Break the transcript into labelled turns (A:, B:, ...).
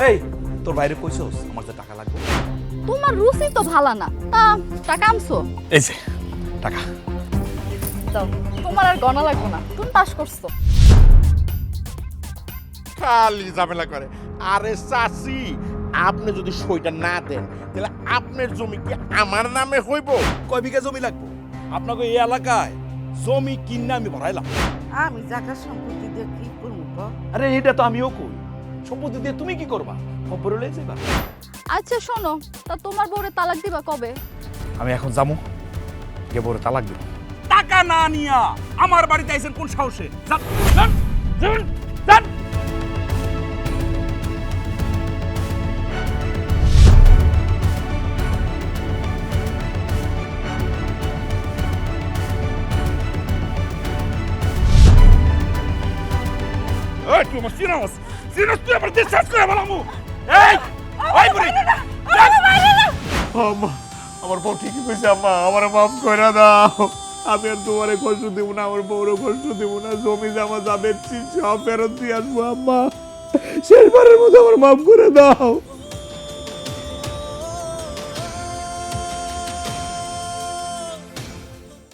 A: এই তোর বাইরে কইছস আমার যে টাকা লাগবে?
B: তোমার রুচি তো ভালো না, তা টাকা আনছো?
A: এই যে টাকা।
B: দাও, তোমার আর গণা লাগবে না, তুমি পাস করছো।
C: খালি ঝামেলা করে। আরে চাচি, আপনি যদি সইটা না দেন তাহলে আপনার জমি কি আমার নামে হইব?
A: কয় বিঘা জমি লাগবে? আপনাকে এই এলাকায় জমি কিনে আমি ভরাইলাম।
D: আমি জায়গা সম্পত্তি দিয়ে কি করবো ক?
A: আরে এটা তো আমিও কই, সম্পত্তি দিয়ে তুমি কি করবা? খবর লয়ে যাবা।
B: আচ্ছা শোনো, তা তোমার বউরে তালাক দিবা কবে?
A: আমি এখন যামু, কে বড় তালাক দিব। টাকা না নিয়া আমার বাড়িতে আইছেন কোন সাহসে? যান যান যান যান।
C: এই তুই আমার সিনাস তুই আমার দেশ শেষ করে বলামু। এই ওই বুড়ি আম্মা, আমার বউ ঠিকই কইছে আম্মা, আমার মাফ করে দাও। আমি আর তোমারে কষ্ট দেব না, আমার বউরও কষ্ট দেব না। জমি জামা যাবে সব ফেরত দিয়ে আসবো আম্মা। শেষবারের মতো আমার মাফ করে দাও।